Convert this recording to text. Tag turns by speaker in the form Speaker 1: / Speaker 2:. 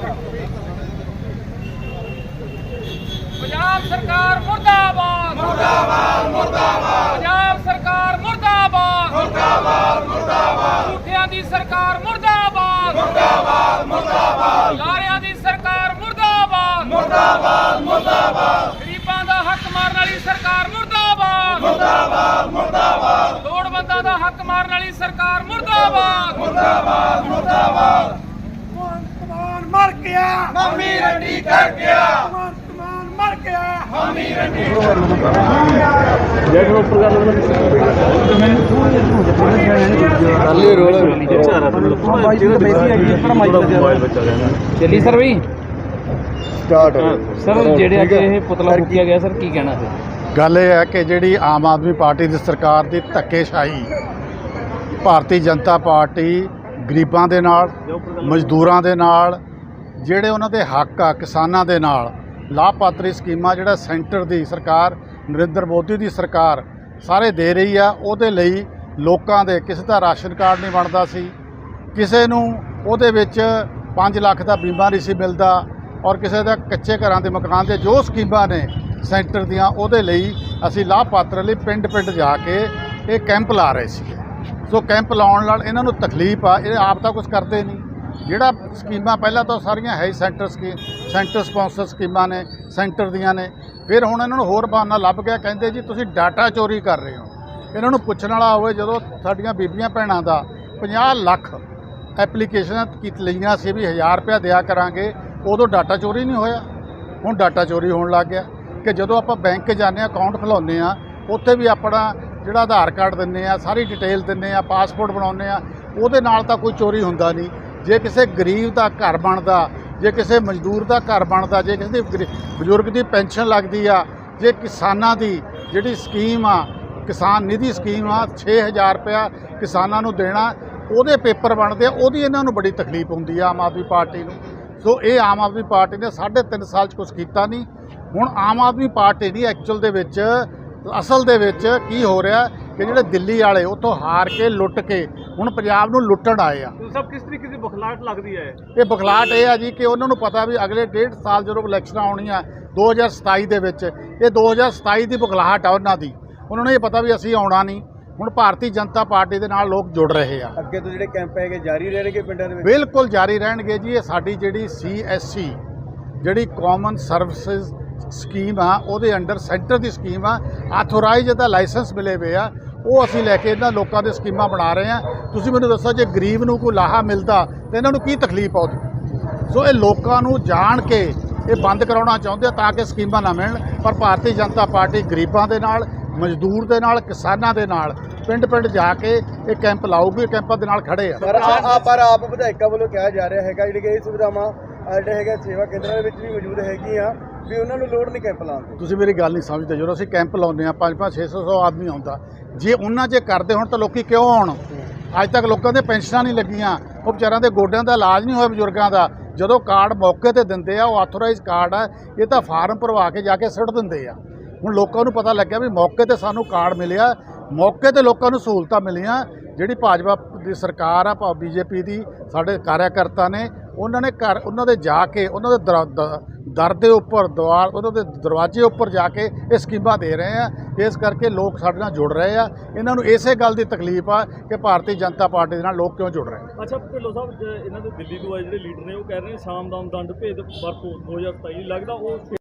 Speaker 1: पंजाब सरकार मुर्दाबाद मुर्दाबाद मुर्दाबाद। पंजाब सरकार मुर्दाबाद मुर्दाबाद मुर्दाबाद। झूठियां दी सरकार मुर्दाबाद मुर्दाबाद मुर्दाबाद। लारियां दी सरकार मुर्दाबाद मुर्दाबाद मुर्दाबाद। गरीबां दा हक मारन वाली सरकार मुर्दाबाद मुर्दाबाद मुर्दाबाद। लोड़वंदां दा हक मारन वाली सरकार मुर्दाबाद मुर्दाबाद मुर्दाबाद।
Speaker 2: मर गया
Speaker 1: मम्मी रंडी कर गया
Speaker 2: मर गया
Speaker 1: मम्मी रंडी
Speaker 3: ਚੱਲੀ ਸਰ ਬਈ
Speaker 4: ਸਟਾਰਟ
Speaker 3: ਸਰ ਜਿਹੜੇ ਅੱਜ ਇਹ ਪੁਤਲਾ ਫੂਕਿਆ ਗਿਆ ਸਰ ਕੀ ਕਹਿਣਾ ਸਰ?
Speaker 4: ਗੱਲ ਇਹ ਹੈ ਕਿ ਜਿਹੜੀ ਆਮ ਆਦਮੀ ਪਾਰਟੀ ਦੀ ਸਰਕਾਰ ਦੀ ਧੱਕੇਸ਼ਾਹੀ ਭਾਰਤੀ ਜਨਤਾ ਪਾਰਟੀ ਗਰੀਬਾਂ ਦੇ ਨਾਲ ਮਜ਼ਦੂਰਾਂ ਦੇ ਨਾਲ ਜਿਹੜੇ ਉਹਨਾਂ ਦੇ ਹੱਕ ਆ ਕਿਸਾਨਾਂ ਦੇ ਨਾਲ ਲਾਭਪਾਤਰੀ ਸਕੀਮਾਂ ਜਿਹੜਾ ਸੈਂਟਰ ਦੀ ਸਰਕਾਰ ਨਰਿੰਦਰ ਮੋਦੀ ਦੀ ਸਰਕਾਰ ਸਾਰੇ ਦੇ ਰਹੀ ਆ ਉਹਦੇ ਲਈ ਲੋਕਾਂ ਦੇ ਕਿਸੇ ਦਾ ਰਾਸ਼ਨ ਕਾਰਡ ਨਹੀਂ ਬਣਦਾ ਸੀ, ਕਿਸੇ ਨੂੰ ਉਹਦੇ ਵਿੱਚ 5 ਲੱਖ ਦਾ ਬੀਮਾ ਨਹੀਂ ਸੀ ਮਿਲਦਾ ਔਰ ਕਿਸੇ ਦਾ ਕੱਚੇ ਘਰਾਂ ਦੇ ਮਕਾਨ ਦੇ ਜੋ ਸਕੀਮਾਂ ਨੇ ਸੈਂਟਰ ਦੀਆਂ ਉਹਦੇ ਲਈ ਅਸੀਂ ਲਾਭਪਾਤਰ ਲਈ ਪਿੰਡ ਪਿੰਡ ਜਾ ਕੇ ਇਹ ਕੈਂਪ ਲਾ ਰਹੇ ਸੀ। ਸੋ ਕੈਂਪ ਲਾਉਣ ਨਾਲ ਇਹਨਾਂ ਨੂੰ ਤਕਲੀਫ ਆ, ਇਹ ਆਪ ਤਾਂ ਕੁਝ ਕਰਦੇ ਨਹੀਂ। ਜਿਹੜਾ ਸਕੀਮਾਂ ਪਹਿਲਾਂ ਤਾਂ ਸਾਰੀਆਂ ਹੈ ਸੈਂਟਰ ਸਪਾਂਸਰ ਸਕੀਮਾਂ ਨੇ ਸੈਂਟਰ ਦੀਆਂ ਨੇ, ਫਿਰ ਹੁਣ ਇਹਨਾਂ ਨੂੰ ਹੋਰ ਬਹਾਨਾ ਲੱਭ ਗਿਆ, ਕਹਿੰਦੇ ਜੀ ਤੁਸੀਂ ਡਾਟਾ ਚੋਰੀ ਕਰ ਰਹੇ ਹੋ। ਇਹਨਾਂ ਨੂੰ ਪੁੱਛਣ ਵਾਲਾ ਹੋਵੇ, ਜਦੋਂ ਸਾਡੀਆਂ ਬੀਬੀਆਂ ਭੈਣਾਂ ਦਾ 50 ਲੱਖ ਐਪਲੀਕੇਸ਼ਨਾਂ ਲਈਆਂ ਸੀ ਵੀ 1000 ਰੁਪਇਆ ਦਿਆ ਕਰਾਂਗੇ, ਉਦੋਂ ਡਾਟਾ ਚੋਰੀ ਨਹੀਂ ਹੋਇਆ। ਹੁਣ ਡਾਟਾ ਚੋਰੀ ਹੋਣ ਲੱਗ ਗਿਆ ਕਿ ਜਦੋਂ ਆਪਾਂ ਬੈਂਕ ਜਾਂਦੇ ਹਾਂ ਅਕਾਊਂਟ ਖੁਲਾਉਂਦੇ ਹਾਂ ਉੱਥੇ ਵੀ ਆਪਣਾ ਜਿਹੜਾ ਆਧਾਰ ਕਾਰਡ ਦਿੰਦੇ ਆ, ਸਾਰੀ ਡਿਟੇਲ ਦਿੰਦੇ ਆ, ਪਾਸਪੋਰਟ ਬਣਾਉਂਦੇ ਆ, ਉਹਦੇ ਨਾਲ ਤਾਂ ਕੋਈ ਚੋਰੀ ਹੁੰਦਾ ਨਹੀਂ। ਜੇ ਕਿਸੇ ਗਰੀਬ ਦਾ ਘਰ ਬਣਦਾ, ਜੇ ਕਿਸੇ ਮਜ਼ਦੂਰ ਦਾ ਘਰ ਬਣਦਾ, ਜੇ ਕਿਸੇ ਦੀ ਬਜ਼ੁਰਗ ਦੀ ਪੈਨਸ਼ਨ ਲੱਗਦੀ ਆ, ਜੇ ਕਿਸਾਨਾਂ ਦੀ ਜਿਹੜੀ ਸਕੀਮ ਆ ਕਿਸਾਨ ਨਿਧੀ ਸਕੀਮ ਆ 6000 ਰੁਪਇਆ ਕਿਸਾਨਾਂ ਨੂੰ ਦੇਣਾ, ਉਹਦੇ ਪੇਪਰ ਬਣਦੇ ਆ, ਉਹਦੀ ਇਹਨਾਂ ਨੂੰ ਬੜੀ ਤਕਲੀਫ ਹੁੰਦੀ ਆ ਆਮ ਆਦਮੀ ਪਾਰਟੀ ਨੂੰ। ਸੋ ਇਹ ਆਮ ਆਦਮੀ ਪਾਰਟੀ ਨੇ 3.5 ਸਾਲ 'ਚ ਕੁਛ ਕੀਤਾ ਨਹੀਂ। ਹੁਣ ਆਮ ਆਦਮੀ ਪਾਰਟੀ ਦੀ ਐਕਚੁਅਲ ਦੇ ਵਿੱਚ ਅਸਲ ਦੇ ਵਿੱਚ ਕੀ ਹੋ ਰਿਹਾ ਕਿ ਜਿਹੜੇ ਦਿੱਲੀ ਵਾਲੇ ਉੱਥੋਂ ਹਾਰ ਕੇ ਲੁੱਟ ਕੇ ਹੁਣ ਪੰਜਾਬ ਨੂੰ ਲੁੱਟਣ ਆਏ ਆ।
Speaker 3: ਸਭ ਕਿਸ ਤਰੀਕੇ ਦੀ ਬਖਲਾਹਟ ਲੱਗਦੀ ਹੈ?
Speaker 4: ਇਹ ਬਖਲਾਹਟ ਇਹ ਆ ਜੀ ਕਿ ਉਹਨਾਂ ਨੂੰ ਪਤਾ ਵੀ ਅਗਲੇ 1.5 ਸਾਲ ਜਦੋਂ ਇਲੈਕਸ਼ਨਾਂ ਆਉਣੀਆਂ 2027 ਦੇ ਵਿੱਚ, ਇਹ 2027 ਦੀ ਬਖਲਾਹਟ ਆ ਉਹਨਾਂ ਦੀ। ਉਹਨਾਂ ਨੂੰ ਇਹ ਪਤਾ ਵੀ ਅਸੀਂ ਆਉਣਾ ਨਹੀਂ। ਹੁਣ ਭਾਰਤੀ ਜਨਤਾ ਪਾਰਟੀ ਦੇ ਨਾਲ ਲੋਕ ਜੁੜ ਰਹੇ ਆ।
Speaker 2: ਅੱਗੇ ਤੋਂ ਜਿਹੜੇ ਕੈਂਪ ਹੈਗੇ ਜਾਰੀ ਰਹਿਣਗੇ ਪਿੰਡਾਂ ਦੇ ਵਿੱਚ?
Speaker 4: ਬਿਲਕੁਲ ਜਾਰੀ ਰਹਿਣਗੇ ਜੀ। ਇਹ ਸਾਡੀ ਜਿਹੜੀ CSC ਜਿਹੜੀ ਕਾਮਨ ਸਰਵਿਸਿਜ਼ ਸਕੀਮ ਆ ਉਹਦੇ ਅੰਡਰ ਸੈਂਟਰ ਦੀ ਸਕੀਮ ਆ, ਆਥੋਰਾਈਜ਼ ਦਾ ਲਾਇਸੈਂਸ ਮਿਲੇ ਹੋਏ ਆ, ਉਹ ਅਸੀਂ ਲੈ ਕੇ ਇਹਨਾਂ ਲੋਕਾਂ ਦੇ ਸਕੀਮਾਂ ਬਣਾ ਰਹੇ ਆ। ਤੁਸੀਂ ਮੈਨੂੰ ਦੱਸੋ ਜੇ ਗਰੀਬ ਨੂੰ ਕੋਈ ਲਾਹਾ ਮਿਲਦਾ ਤਾਂ ਇਹਨਾਂ ਨੂੰ ਕੀ ਤਕਲੀਫ ਆਉਂਦੀ? ਸੋ ਇਹ ਲੋਕਾਂ ਨੂੰ ਜਾਣ ਕੇ ਇਹ ਬੰਦ ਕਰਾਉਣਾ ਚਾਹੁੰਦੇ ਆ ਤਾਂ ਕਿ ਸਕੀਮਾਂ ਨਾ ਮਿਲਣ। ਪਰ ਭਾਰਤੀ ਜਨਤਾ ਪਾਰਟੀ ਗਰੀਬਾਂ ਦੇ ਨਾਲ, ਮਜ਼ਦੂਰ ਦੇ ਨਾਲ, ਕਿਸਾਨਾਂ ਦੇ ਨਾਲ ਪਿੰਡ ਪਿੰਡ ਜਾ ਕੇ ਇਹ ਕੈਂਪ ਲਾਊਗੀ। ਕੈਂਪਾਂ ਦੇ ਨਾਲ ਖੜੇ ਆ।
Speaker 2: ਪਰ ਆਪ ਵਿਧਾਇਕਾਂ ਵੱਲੋਂ ਕਿਹਾ ਜਾ ਰਿਹਾ ਹੈਗਾ ਜਿਹੜੀ ਕਿ ਇਹ ਸੁਵਿਧਾਵਾਂ ਜਿਹੜੇ ਹੈਗਾ ਸੇਵਾ ਕੇਂਦਰਾਂ ਦੇ ਵਿੱਚ ਵੀ ਮੌਜੂਦ ਹੈਗੀਆਂ ਵੀ ਉਹਨਾਂ ਨੂੰ ਲੋੜ ਨਹੀਂ ਕੈਂਪ ਲਾਉਣ ਦੀ।
Speaker 4: ਤੁਸੀਂ ਮੇਰੀ ਗੱਲ ਨਹੀਂ ਸਮਝਦੇ। ਜਦੋਂ ਅਸੀਂ ਕੈਂਪ ਲਾਉਂਦੇ ਆ 500 600 ਆਦਮੀ ਆਉਂਦਾ, ਜੇ ਉਹਨਾਂ 'ਚ ਕਰਦੇ ਹੁਣ ਤਾਂ ਲੋਕੀ ਕਿਉਂ ਆਉਣ? ਅੱਜ ਤੱਕ ਲੋਕਾਂ ਦੇ ਪੈਨਸ਼ਨਾਂ ਨਹੀਂ ਲੱਗੀਆਂ, ਉਹ ਵਿਚਾਰਿਆਂ ਦੇ ਗੋਡਿਆਂ ਦਾ ਇਲਾਜ ਨਹੀਂ ਹੋਇਆ ਬਜ਼ੁਰਗਾਂ ਦਾ। ਜਦੋਂ ਕਾਰਡ ਮੌਕੇ ਤੇ ਦਿੰਦੇ ਆ, ਉਹ ਆਥੋਰਾਈਜ਼ ਕਾਰਡ ਆ, ਇਹ ਤਾਂ ਫਾਰਮ ਭਰਵਾ ਕੇ ਜਾ ਕੇ ਸੁੱਟ ਦਿੰਦੇ ਆ। ਹੁਣ ਲੋਕਾਂ ਨੂੰ ਪਤਾ ਲੱਗਿਆ ਵੀ ਮੌਕੇ ਤੇ ਸਾਨੂੰ ਕਾਰਡ ਮਿਲਿਆ, ਮੌਕੇ ਤੇ ਲੋਕਾਂ ਨੂੰ ਸਹੂਲਤਾਂ ਮਿਲੀਆਂ। ਜਿਹੜੀ ਭਾਜਪਾ ਦੀ ਸਰਕਾਰ ਆ, BJP ਦੀ, ਸਾਡੇ ਕਾਰਿਆਕਰਤਾ ਨੇ ਉਹਨਾਂ ਨੇ ਘਰ ਉਹਨਾਂ ਦੇ ਜਾ ਕੇ ਉਹਨਾਂ ਦੇ ਦਰ ਦੇ ਉੱਪਰ ਉਹਨਾਂ ਦੇ ਦਰਵਾਜ਼ੇ ਉੱਪਰ ਜਾ ਕੇ ਇਹ ਸਕੀਮਾਂ ਦੇ ਰਹੇ ਆ। ਇਸ ਕਰਕੇ ਲੋਕ ਸਾਡੇ ਨਾਲ ਜੁੜ ਰਹੇ ਆ। ਇਹਨਾਂ ਨੂੰ ਇਸੇ ਗੱਲ ਦੀ ਤਕਲੀਫ ਆ ਕਿ ਭਾਰਤੀ ਜਨਤਾ ਪਾਰਟੀ ਦੇ ਨਾਲ ਲੋਕ ਕਿਉਂ ਜੁੜ ਰਹੇ ਆ।
Speaker 3: ਅੱਛਾ ਢਿੱਲੋਂ ਸਾਹਿਬ, ਇਹਨਾਂ ਦੇ ਦਿੱਲੀ ਤੋਂ ਆਏ ਜਿਹੜੇ ਲੀਡਰ ਨੇ ਉਹ ਕਹਿ ਰਹੇ ਨੇ ਸਾਮ ਦਾਮ ਦੰਡ ਭੇਦ ਵਰਤੋਂ 2027 ਲੱਗਦਾ ਉਹ